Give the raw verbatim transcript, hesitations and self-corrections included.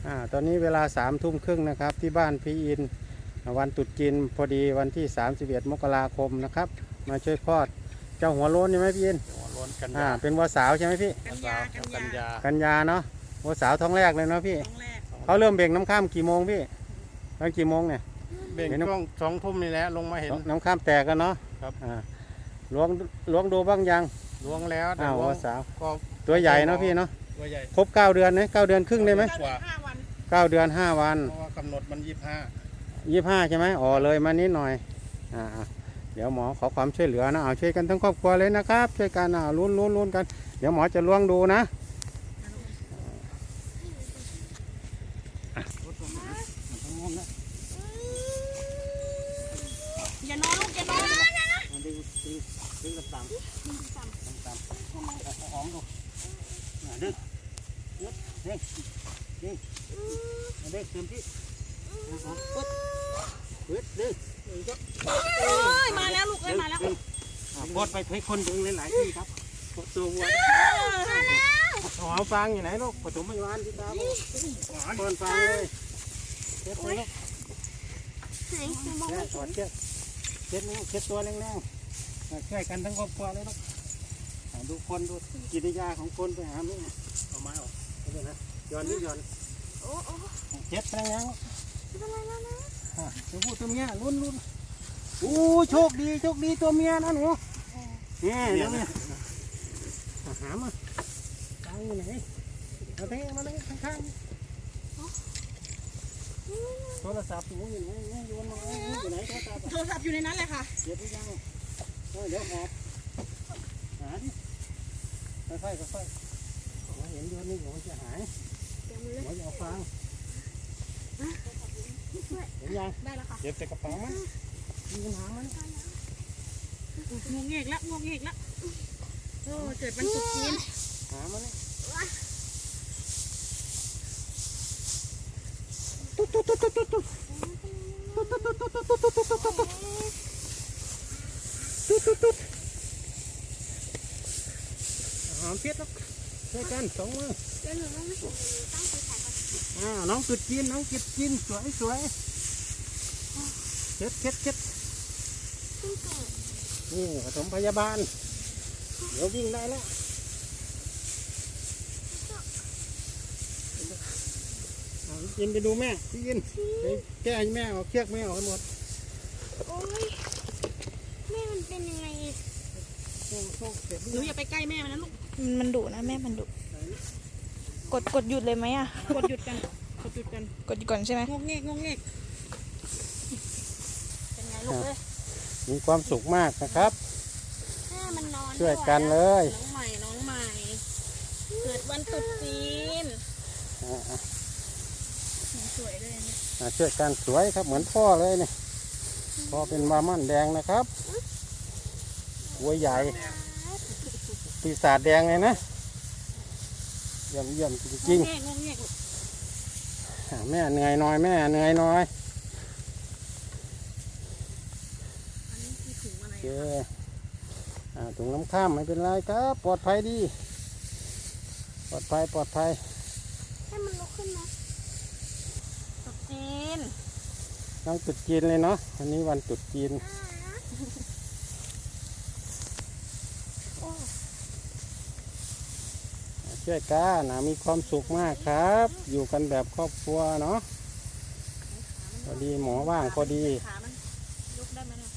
อ่าตอนนี้เวลาสามทุ่มครึ่งนะครับที่บ้านพี่อินวันตรุษจีนพอดีวันที่สามสิบเอ็ดมกราคมนะครับมาช่วยคลอดเจ้าหัวโล้นใช่ไหมพี่อินหัวโล้นกันอ่ายาเป็นวัวสาวใช่ไหมพี่กันยากันยากันยาเนาะวัวสาวท้องแรกเลยเนาะพี่ครั้งแรกเขาเริ่มเบ่งน้ำข้ามกี่โมงพี่ตอนกี่โมงเนี่ยเบ่งช่วงสองทุ่มนี่แหละลงมาเห็นน้ำข้ามแตกกันเนาะครับอ่าล้วงล้วงดูบ้างยังล้วงแล้วแต่อ้าวล้ววังวสาวก็ตัวใหญ่เนาะพี่เนาะตัวใหญ่ครบเก้าเดือนไหมเก้าเดือนครึ่งได้ไหมเก้าเดือนห้าวันเก้าเดือนห้าวันเพราะว่ากำหนดมันยี่สิบห้ายี่ห้าใช่ไหมอ๋อเลยมานิดหน่อยอ่าเดี๋ยวหมอขอความช่วยเหลือนะเอาช่วยกันทั้งครอบครัวเลยนะครับช่วยกันอ่าลุ้นลุ้นลุ้นกันเดี๋ยวหมอจะล้วงดูนะอย่านอนลูกอย่านอนดึงดึงดึงต่ำต่ำต่ำต่ำหอมดูดึงดึงดึงดึงดึงเต็มที่ปึ๊บปึ๊บดึงโอ้ยมาแล้วลูกเอ้ยมาแล้วกดไปให้คนดึงหลายๆที่ครับกดตัววัวหอมฟางอยู่ไหนลูกปฐมพยาบาลที่ตาบอลฟางเลยเช็ดตัวลูกแม่ถอดเชือกเช็ดนิ้วเช็ดตัวแรงๆช่วยกันทั้งครอบครัวเลยลูกดูคนดูกิริยาของคนไปหาแม่เอาไม้ออกนี่นะย้อนนี่ย้อนเช็ดแรงๆตัวผู้ตัวเมียลุ้นลุ้นโอ้โชคดีโชคดีตัวเมียนะหนูนี่เดี๋ยวเนี่ยหามาตังอยู่ไหนมาเทมาเลยข้างๆโทรศัพท์หนูอยู่ไหนโยนมาอยู่ไหนโทรศัพท์โทรศัพท์อยู่ในนั้นเลยค่ะเดี๋ยวไปยังเดี๋ยวหอบหาดิค่อยๆค่อยๆเห็นโยนนี่หนูจะหายหนูจะเอาฟังเห็นยังได้แล้วค่ะเก็บใส่กระเป๋ามั้ยมีปัญหาไหมงงเงกแล้วงงเงกแล้วโอ้เกิดวันตรุษจีนหามาเลยตุ๊ดตุ๊ดตุ๊ดตุ๊ดตุ๊ดตุ๊ดตุ๊ดตุ๊ดตุ๊ดตุ๊ดตุ๊ดตุ๊ดตุ๊ดตุ๊ดตุ๊ดตุ๊ดหอมเพี้ยแล้วช่วยกันสองมืออ่าน้องจุดจีนน้องจุดจีนสวยสวยเช็ดเช็ดเช็ดนี่ปฐมพยาบาลเดี๋ยววิ่งได้แล้วยินไปดูแม่พี่ยินไปแก้ให้แม่เอาเชือกแม่ออกให้หมดโอ้ยแม่มันเป็นยังไงโอ้โหเจ็บหนูอย่าไปใกล้แม่มันนะลูกมันมันดุนะแม่มันดุกดกดหยุดเลยไหมอ่ะกดหยุดกันกดหยุดกันกดหยุดก่อนใช่ไหมงงเงกงงเงกเป็นไงลูกเอ้ยมีความสุขมากนะครับแม่มันนอนช่วยกันเลยน้องใหม่น้องใหม่เกิดวันตรุษจีนอ่าสวยเลยเนี่ยอ่าช่วยกันสวยครับเหมือนพ่อเลยเนี่ยพ่อเป็นบาร์มันแดงนะครับวัวใหญ่ปีศาจแดงเลยนะเยี่ยมเยี่ยมจริงงงเงกงงเงกลูกๆอ่าแม่เหนื่อยหน่อยแม่เหนื่อยหน่อยอันนี้คือถุงอะไรโอเคอะคะอ่าถุงน้ำข้ามไม่เป็นไรครับปลอดภัยดีปลอดภัยปลอดภัยให้มันลุกขึ้นนะตรุษจีนน้องตรุษจีนเลยเนาะวันนี้วันตรุษจีน ช่วยกันนะมีความสุขมากครับ อยู่กันแบบครอบครัวเนาะพอดีหมอว่างพอดีขามันยกได้ไหมเนี่ย